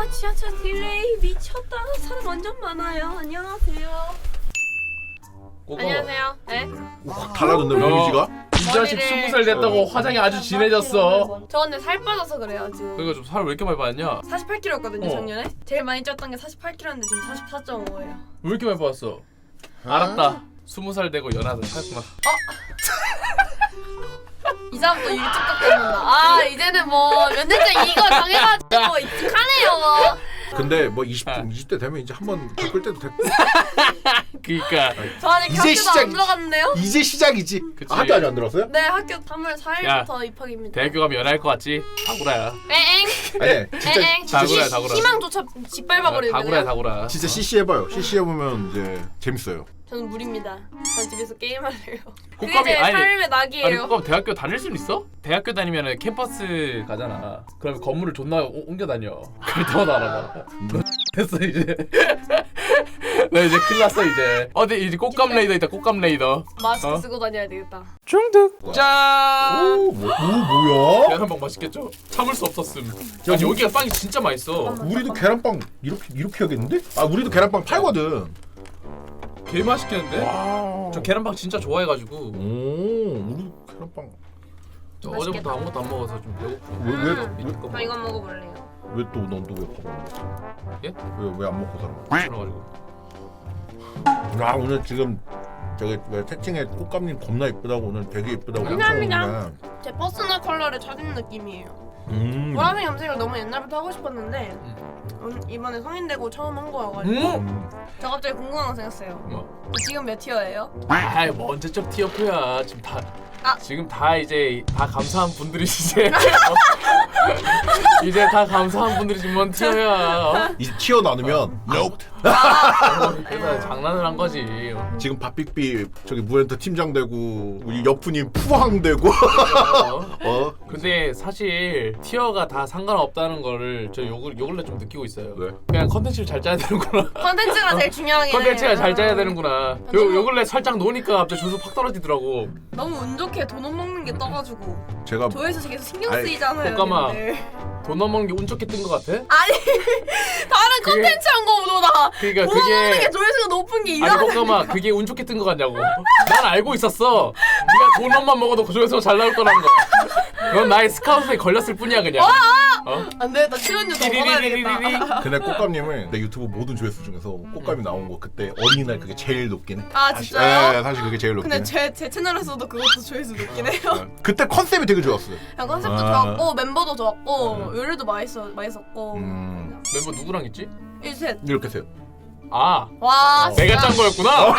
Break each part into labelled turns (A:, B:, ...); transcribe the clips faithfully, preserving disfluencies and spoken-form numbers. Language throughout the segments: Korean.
A: 와 지하철 딜레이 미쳤다. 사람 완전 많아요. 안녕하세요.
B: 꼬꼬.
A: 안녕하세요. 네?
C: 확 달라졌네 이미지가.
B: 이 자식
A: 머리를-
B: 스무 살 됐다고 화장이 아주 진해졌어.
A: 저 근데 살 빠져서 그래요 지금.
B: 그러니까 좀 살 왜 이렇게 많이 빠졌냐?
A: 사십팔 킬로그램였거든요
B: 어.
A: 작년에. 제일 많이 쪘던 게 사십팔 킬로그램인데 지금 사십사 점 오예요.
B: 왜 이렇게 많이 빠졌어? 알았다. 스무 살 되고 연하다 살구나.
A: 이사람도 일찍 깎는다. 아 이제는 뭐 몇 년째 이거 당해가지고 익숙하네요. 뭐.
C: 근데 뭐 이십 대 이십 대 되면 이제 한번 바꿀 때도 됐고.
B: 그니까
A: 저 아직
C: 이제
A: 학교도
C: 시작-
A: 안 들어갔는데요?
C: 이제 시작이지.
B: 그치.
C: 아, 학교 아직 안 들었어요?
A: 네 학교 삼월 사일부터 입학입니다.
B: 대학교 가면 연하일 것 같지? 다구라야.
A: 에엥
C: 아니 진짜
A: 에엥
B: 다구라야,
A: 시-
B: 다구라.
A: 희망조차 짓밟아버리는
B: 다구라야
A: 거예요.
B: 다구라.
C: 진짜 씨씨 해봐요. 씨씨 해보면 이제 재밌어요.
A: 저는 무리입니다. 전 집에서 게임할래요. 그게
B: 꽃감이-
A: 제
B: 아니,
A: 삶의
B: 아니
A: 낙이에요.
B: 그럼 대학교 다닐 수는 있어? 대학교 다니면은 캠퍼스 가잖아. 그럼 건물을 존나 오- 옮겨 다녀. 그럴 때마다 알아봐. 됐어 이제. 나 이제 큰일 났어 이제. 어디 이제 꽃감 레이더 있다. 꽃감 레이더.
A: 마스크
B: 어?
A: 쓰고 다녀야 되겠다.
B: 중득. 짠.
C: 오, 뭐, 오 뭐야?
B: 계란빵 맛있겠죠? 참을 수 없었음. 야 여기가 빵이 진짜 맛있어.
C: 우리도 계란빵 이렇게 이렇게 하겠는데? 아 우리도 계란빵 팔거든.
B: 개 맛있겠는데?
C: 와.
B: 저 계란빵 진짜 좋아해가지고
C: 오, 우리 계란빵.
B: 저 어제부터 아무것도 안 먹어서 좀 배고프고.
C: 왜왜왜왜또넌또왜
A: 저 이거 먹어볼래요.
C: 먹어?
B: 예?
C: 왜왜 안 먹고 살아?
B: 그래가지고.
C: 아 오늘 지금 저기 왜 채팅에 꽃감님 겁나 이쁘다고 오늘 되게 이쁘다고
A: 감사합니다.
C: 오는데.
A: 제 퍼스널 컬러를 찾은 느낌이에요.
C: 음.
A: 보라색 염색을 너무 옛날부터 하고 싶었는데 음, 이번에 성인 되고 처음 한 거여가지고
B: 음?
C: 음.
A: 저 갑자기 궁금한 거 생겼어요.
B: 뭐?
A: 저 지금 몇 티어예요?
B: 아이 뭐 언제적 티어프야. 지금 다
A: 아.
B: 지금 다 이제 다 감사한 분들이 이제 어? 이제 다 감사한 분들이 지금 뭔 티어야. 어?
C: 이제 튀어 나누면 nope.
B: 그래서 장난을 한 거지.
C: 지금 박빅비 저기 무엔터 팀장 되고 우리 여프님 푸항 되고
B: 어?
C: 어?
B: 근데 사실 티어가 다 상관없다는 거를 저 요, 요 근래 좀 느끼고 있어요.
C: 왜?
B: 그냥 컨텐츠를 잘 짜야 되는구나.
A: 컨텐츠가 제일 중요하긴 해.
B: 컨텐츠가 잘 짜야 되는구나. 요, 요 근래 살짝 노니까 갑자기 조수 팍 떨어지더라고.
A: 너무 운 좋게 돈 못 먹는 게 떠가지고
C: 제가
A: 조회수 계속 신경
C: 아이,
A: 쓰이잖아요.
B: 꽃가마.
A: 근데.
B: 돈 넘어가는 게 운 좋게 뜬 거 같아?
A: 아니 다른
B: 그게-
A: 컨텐츠 한 거보다
B: 그러니까
A: 돈 먹는 게
B: 그게
A: 조회수가 높은 게
B: 아니
A: 이상해.
B: 꽃가마 그게 운 좋게 뜬 거 같냐고. 난 알고 있었어. 네가 돈만 먹어도 그 조회수가 잘 나올 거라는 거. 넌 나의 스카우트에 걸렸을 뿐이야 그냥. 어?
A: 안돼 나 출연료 더 받아야 되겠다.
B: 띠리리리리리.
C: 근데 꽃감님은 내 유튜브 모든 조회수 중에서 꽃감이 나온 거 그때 어린이날 그게 제일 높긴 해.
A: 아
C: 사실-
A: 진짜요?
C: 예, 사실 그게 제일 높긴
A: 근데
C: 해.
A: 제, 제 채널에서도 그것도 조회수 높긴 해요.
C: 예. 그때 컨셉이 되게 좋았어요.
A: 그냥 컨셉도
C: 아.
A: 좋았고 멤버도 좋았고
C: 음.
A: 요리도 맛있어 맛있었고
C: 음.
B: 멤버 누구랑 있지?
A: 일셋
B: 네.
C: 이렇게 세요.
B: 아
A: 와
C: 어.
B: 내가 짠 거였구나.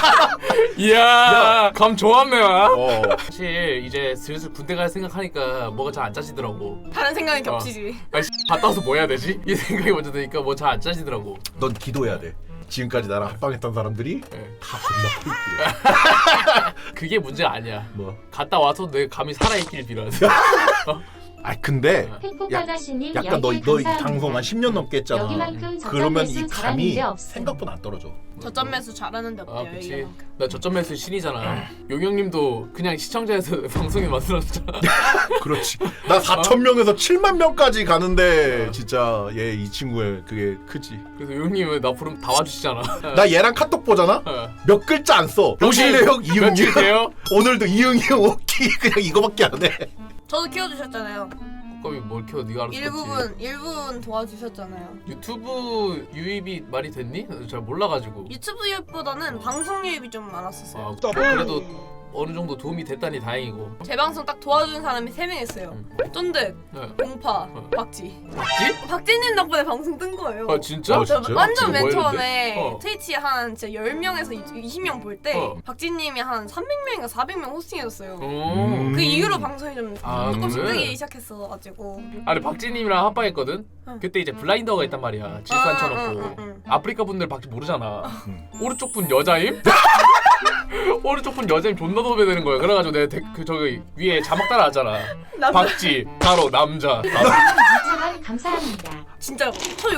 B: 이야 감 좋았네.
C: 어.
B: 사실 이제 슬슬 군대 갈 생각하니까 뭐가 잘 안 짜지더라고.
A: 다른 생각이
B: 어.
A: 겹치지.
B: 아니 갔다 와서 뭐 해야 되지? 이 생각이 먼저 드니까 뭐 잘 안 짜지더라고.
C: 넌 기도해야 돼. 지금까지 나랑 합방했던 사람들이
B: 네.
C: 다 겁나 포인트야.
B: 그게 문제가 아니야.
C: 뭐?
B: 갔다 와서 내 감이 살아있길 빌어야 돼.
C: 아 근데
D: 팩폭바다씨님
C: 약간 너 너 이 방송 한 십 년 넘게 했잖아.
D: 여기만큼
C: 그러면 이
D: 저점 매수 잘하는
C: 감이
D: 데 없음.
C: 생각보다 안 떨어져.
A: 저점 매수 잘하는데
B: 아
A: 없대요
B: 그치.
A: 이게.
B: 나 저점 매수 신이잖아. 용영님도 그냥 시청자에서 방송에 만들었잖아.
C: 그렇지. 나 사천 명에서 칠만 명까지 가는데 진짜 얘 이 친구의 그게 크지.
B: 그래서 용영님은 나 부르면 다 와주시잖아.
C: 나 얘랑 카톡 보잖아.
B: 어.
C: 몇 글자 안 써. 오실래요? 이응이.
B: 며칠 돼요?
C: 오늘도 이응이 오키 그냥 이거밖에 안 해.
A: 저도 키워주셨잖아요.
B: 거기 뭘 키워 네가 알아서
A: 일부분 일부분 도와주셨잖아요.
B: 유튜브 유입이 많이 됐니? 잘 몰라가지고.
A: 유튜브 유입보다는 방송 유입이 좀 많았었어요.
B: 아 뭐 그래도 어느 정도 도움이 됐다니 다행이고.
A: 제 방송 딱 도와준 사람이 세 명 있어요.
B: 음.
A: 쫀득,
B: 네.
A: 공파,
B: 어.
A: 박지.
B: 맞지?
A: 박지님 덕분에 방송 뜬 거예요.
B: 아 진짜?
C: 어,
A: 저
C: 진짜?
A: 완전 맨
B: 박지가 뭐
A: 처음에
B: 했는데? 어.
A: 트위치 한 진짜 열 명에서 이십 명 볼 때
B: 어.
A: 박지님이 한 삼백 명인가 사백 명 호스팅해줬어요.
B: 음.
A: 그 이후로 방송이 좀
B: 아,
A: 조금씩
B: 그래?
A: 뜨기 시작했어가지고.
B: 아니 박진님이랑 합방했거든?
A: 응.
B: 그때 이제 블라인더가 있단 말이야. 질산
A: 아,
B: 쳐놓고.
A: 응, 응, 응.
B: 아프리카 분들 박진 모르잖아.
C: 응.
B: 오른쪽 분 여자임? 오른쪽 분 여자임 존나 도배되는 거야. 그래가지고 내가 데, 그 저기 위에 자막 따라왔잖아.
A: 남자.
B: 박지 가로 남자.
D: 이천 원 감사합니다.
A: 진짜 저 욕대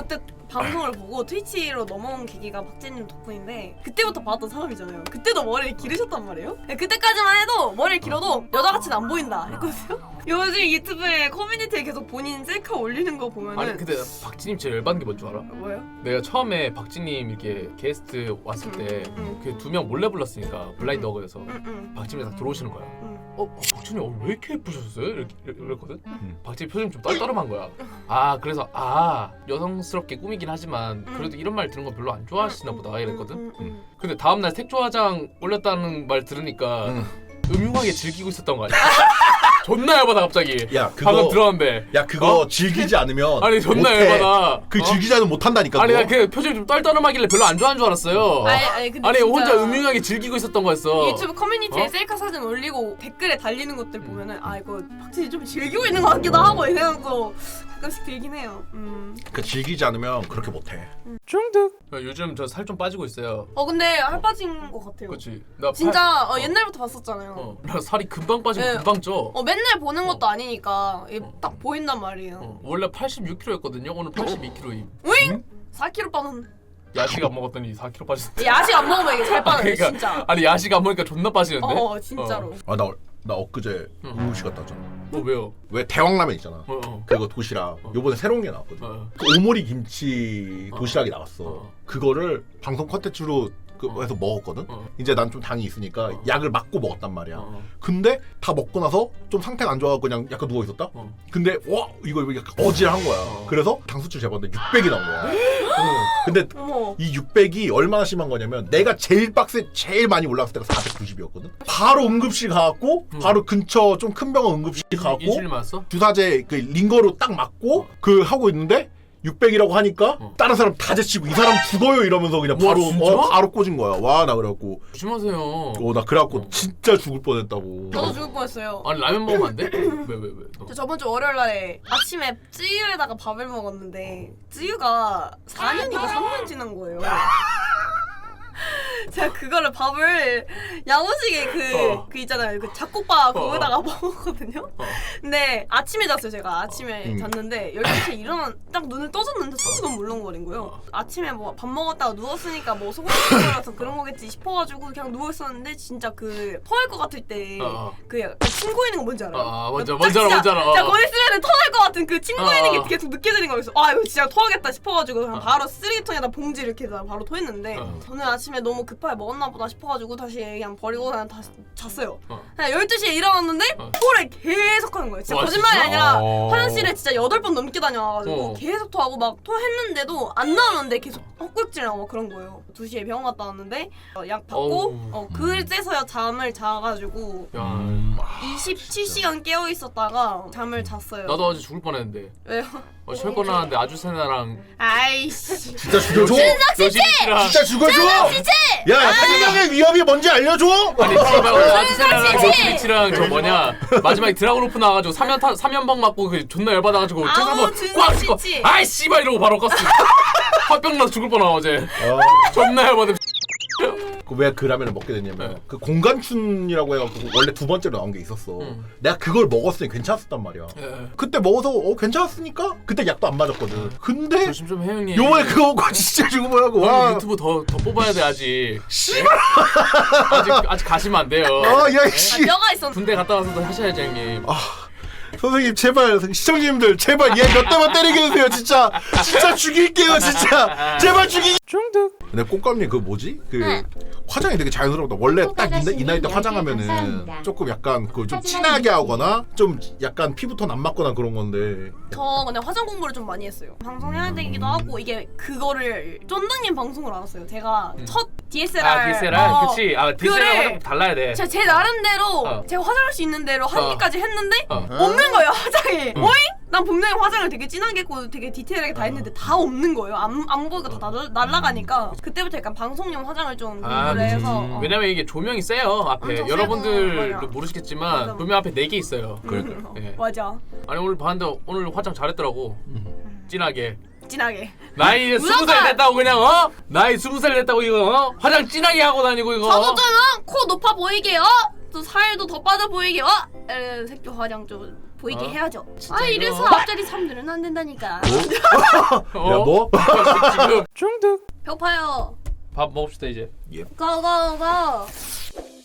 D: 방송을 보고 트위치로 넘어온 계기가 박재님 덕분인데 그때부터 봤던 사람이잖아요. 그때도 머리를 기르셨단 말이에요. 그때까지만 해도 머리를 길어도 여자같이는 안 보인다 했거든요. 요즘 유튜브에 커뮤니티에 계속 본인 셀카 올리는 거 보면은
B: 아니 근데 박진님 제일 열받는 게 뭔 줄 알아?
D: 뭐예요?
B: 내가 처음에 박진님 이렇게 게스트 왔을 때
D: 응.
B: 그 두 명 몰래 불렀으니까 블라인드 어거에서
D: 응, 응,
B: 박진님이 딱 들어오시는 거야.
D: 응.
B: 어, 어 박진님 어, 왜 이렇게 예쁘셨어요? 이렇게 이랬거든.
C: 음.
B: 박진님 표정이 좀 떨떠름한 거야. 아 그래서 아 여성스럽게 꾸미긴 하지만 그래도 이런 말 들은 거 별로 안 좋아하시나 보다 이랬거든.
D: 응, 응.
B: 근데 다음날 색조 화장 올렸다는 말 들으니까
C: 음.
B: 음흉하게 즐기고 있었던 거 아니야? 존나 열받아 갑자기.
C: 야 그거
B: 방금 들어왔는데.
C: 야 그거
B: 어?
C: 즐기지 않으면
B: 아니 존나
C: 못해.
B: 열받아.
C: 그
B: 어?
C: 즐기지 않으면 못한다니까.
B: 아니
C: 그거.
B: 나 그 표정이 좀 떨떠름하길래 별로 안 좋아하는 줄 알았어요.
D: 아니, 아니, 근데
B: 아니
D: 진짜
B: 혼자 음흉하게 즐기고 있었던 거였어.
D: 유튜브 커뮤니티에
B: 어?
D: 셀카 사진 올리고 댓글에 달리는 것들 보면은 아 이거 박진이 좀 즐기고 있는 것 같기도 하고 이 생각도 가끔씩 들긴 해요. 음.
C: 그 즐기지 않으면 그렇게 못해.
B: 중독. 요즘 저 살 좀 빠지고 있어요.
D: 어 근데 할 빠진 것 같아요.
B: 그렇지. 나
D: 진짜
B: 팔-
D: 어, 옛날부터 봤었잖아요.
B: 어. 나 살이 금방 빠지고
D: 네.
B: 금방 쪄.
D: 어 맨날 보는 것도
B: 어.
D: 아니니까 이게
B: 어.
D: 딱 보인단 말이에요.
B: 어. 원래 팔십육 킬로그램였거든요. 오늘 팔십이 킬로그램임.
D: 우잉? 사 킬로그램 빠졌네.
B: 야식 안 먹었더니 사 킬로그램 빠졌어.
D: 야식 안 먹으면 이게 살 빠져요
B: 그러니까,
D: 진짜.
B: 아니 야식 안 먹으니까 존나 빠지는데.
D: 어 진짜로.
C: 아 나 나 엊그제
B: 응.
C: 우무시 갔다 왔잖아.
B: 어 왜요?
C: 왜 대왕라면 있잖아.
B: 어 어.
C: 그리고 도시락. 요번에 새로운 게 나왔거든.
B: 어.
C: 그 오모리 김치 도시락이 나왔어.
B: 어.
C: 그거를 방송 컨텐츠로 그
B: 어.
C: 해서 먹었거든.
B: 어.
C: 이제 난 좀 당이 있으니까
B: 어.
C: 약을 맞고 먹었단 말이야.
B: 어.
C: 근데 다 먹고 나서 좀 상태가 안 좋아서 그냥 약간 누워 있었다.
B: 어.
C: 근데 와 이거 이거 약간 어질한 거야.
B: 어.
C: 그래서 당수치 재봤는데 육백이 나온 거야. 어. 근데
D: 어머.
C: 이 육백이 얼마나 심한 거냐면 내가 제일 빡세 제일 많이 올라갔을 때가 사백구십이었거든. 바로 응급실 가갖고
B: 음.
C: 바로 근처 좀 큰 병원 응급실 가갖고
B: 인슐린 맞았어?
C: 주사제 그 링거로 딱 맞고 그 하고 있는데 육백이라고 하니까
B: 어.
C: 다른 사람 다 제치고 이 사람 죽어요 이러면서 그냥
B: 와,
C: 바로
B: 진짜?
C: 어, 바로 꽂은 거야. 와 나 그래갖고
B: 조심하세요.
C: 어 나 그래갖고
B: 어.
C: 진짜 죽을 뻔했다고.
D: 저도 죽을 뻔했어요.
B: 아니 라면 먹으면 안 돼? 왜 왜 왜? 너.
D: 저 저번 주 월요일 날에 아침에 쯔유에다가 밥을 먹었는데 쯔유가 사 년이고 삼 년 지난 거예요. 제가 그거를 밥을 야무지게 그,
B: 어.
D: 그 있잖아요. 그 잡곡밥 거기다가 먹었거든요.
B: 어.
D: 근데 아침에 잤어요. 제가 아침에
C: 음.
D: 잤는데 열두 시에 일어난 딱 눈을 떠졌는데 속이 너무 물렁거린 거예요.
B: 어.
D: 아침에 뭐 밥 먹었다가 누웠으니까 뭐 속이 물렁거려서 그런 거겠지 싶어가지고 그냥 누워있었는데 진짜 그 토할 것 같을 때
B: 어.
D: 그 약간 침 고이는 거 뭔지 알아요?
B: 아, 뭔지 알아,
D: 딱
B: 뭔지 알아,
D: 진짜-
B: 뭔지 알아.
D: 진짜
B: 어.
D: 거기 있으면 토할 것 같은 그 침 고이는
B: 어.
D: 게 계속 느껴지는 거였어. 아 이거 진짜 토하겠다 싶어가지고 그냥
B: 어.
D: 바로 쓰레기통에다 봉지 이렇게 해서 바로 토했는데
B: 어.
D: 저는 아침에 너무 급하게 먹었나 보다 싶어가지고 다시 그냥 버리고 그냥 다시 잤어요.
B: 어.
D: 그냥 열두 시에 일어났는데
B: 어.
D: 토를 계속 하는 거예요. 진짜
B: 와,
D: 거짓말이
B: 진짜?
D: 아니라
C: 어.
D: 화장실에 진짜 여덟 번 넘게 다녀와가지고
B: 어.
D: 계속 토하고 막 토했는데도 안 나오는데 계속 헛구역질하고 막 그런 거예요. 두 시에 병원 갔다 왔는데 어, 약 받고
B: 어우.
D: 어, 그제서야 잠을 자가지고
B: 야.
C: 음, 아,
D: 이십칠 시간 깨어 있었다가 잠을 잤어요.
B: 나도 어제 죽을 뻔했는데.
D: 왜요?
B: 어, 철거 나왔는데 아주세나랑
D: 아이씨.
C: 진짜 죽여줘.
B: 여신이랑
C: 진짜 죽여줘. 야 생명의 위협이 뭔지 알려줘.
B: 아니 지금 아주세나랑 여신이랑 저 뭐냐 마지막에 드라곤 오프 나와가지고 삼연 타 삼연방 맞고 그 존나 열받아가지고
D: 아우,
B: 한번
D: 진짜
B: 꽉 씹고
D: 진짜.
B: 아이 씨발 이러고 바로 껐어. 화병 나서 죽을 뻔하 어제.
C: 어.
B: 존나 열받아.
C: 왜 그 라면을 먹게 됐냐면
B: 네.
C: 그 공간춘이라고 해갖고 원래 두 번째로 나온 게 있었어.
B: 음.
C: 내가 그걸 먹었으니 괜찮았단 말이야.
B: 예.
C: 그때 먹어서 어 괜찮았으니까 그때 약도 안 맞았거든. 근데
B: 조심 좀 해 형님.
C: 요번에 그거 먹고 진짜 죽어보라고.
B: 형
C: 와.
B: 유튜브 더 더 뽑아야 돼 아직.
C: 씨발.
B: 아직 아직 가시면 안 돼요.
C: 아야
D: 아,
C: 씨.
D: 뼈가 있었는데.
B: 군대 갔다 와서도 하셔야지 형님.
C: 선생님 제발 시청자님들 제발 얘 몇 대만 때리게 해주세요 진짜. 진짜 죽일게요 진짜. 제발 죽이.
B: 중독.
C: 근데 꽃감님 그 뭐지? 그
D: 네.
C: 화장이 되게 자연스럽다. 원래 딱 이
E: 아가씨님
C: 이 나이 때
E: 열 개
C: 화장하면은
E: 감사합니다.
C: 조금 약간 그 좀
E: 하지만
C: 진하게
E: 이게-
C: 하거나 좀 약간 피부톤 안 맞거나 그런 건데.
D: 저 그냥 화장 공부를 좀 많이 했어요. 방송해야 되기도 하고 이게 그거를 쫀득님 방송을 알았어요. 제가
B: 음.
D: 첫 디에스엘알.
B: 아 디에스엘알
D: 어,
B: 그치. 아 디에스엘알
D: 그거를
B: 화장 달라야 돼.
D: 제가 제 나름대로
B: 어.
D: 제가 화장할 수 있는 대로 한
B: 어.
D: 개까지 했는데
B: 어.
D: 없는 거예요 화장이.
B: 어.
D: 오잉? 난 분명히 화장을 되게 진하게 했고 되게 디테일하게 다 했는데 다 없는 거예요. 안, 안 보이고 다 날- 날아가니까 그때부터 약간 방송용 화장을 좀
B: 아,
D: 공부를 해서
B: 음.
D: 어.
B: 왜냐면 이게 조명이 세요 앞에.
D: 엄청
B: 여러분들
D: 세고, 맞아.
B: 모르시겠지만
D: 맞아.
B: 조명 앞에 네 개 있어요.
D: 음,
B: 예.
D: 맞아.
B: 아니 오늘 봤는데 오늘 화장 잘했더라고. 진하게.
D: 진하게.
B: 나이 이제 스무 살 됐다고 그냥 어? 나이 스무 살 됐다고 이거 어? 화장 진하게 하고 다니고 이거.
D: 저도 좀 코 높아 보이게 어? 또 살도 더 빠져 보이게 어? 에, 색조 화장 좀 보이게
B: 어?
D: 해야죠.
B: 진짜
D: 아
B: 이거-
D: 이래서 앞자리 삼 늘으면 안 된다니까.
B: 어?
C: 야 뭐?
B: 지금 중독.
D: 배고파요.
B: 밥 먹읍시다 이제.
D: 고고고.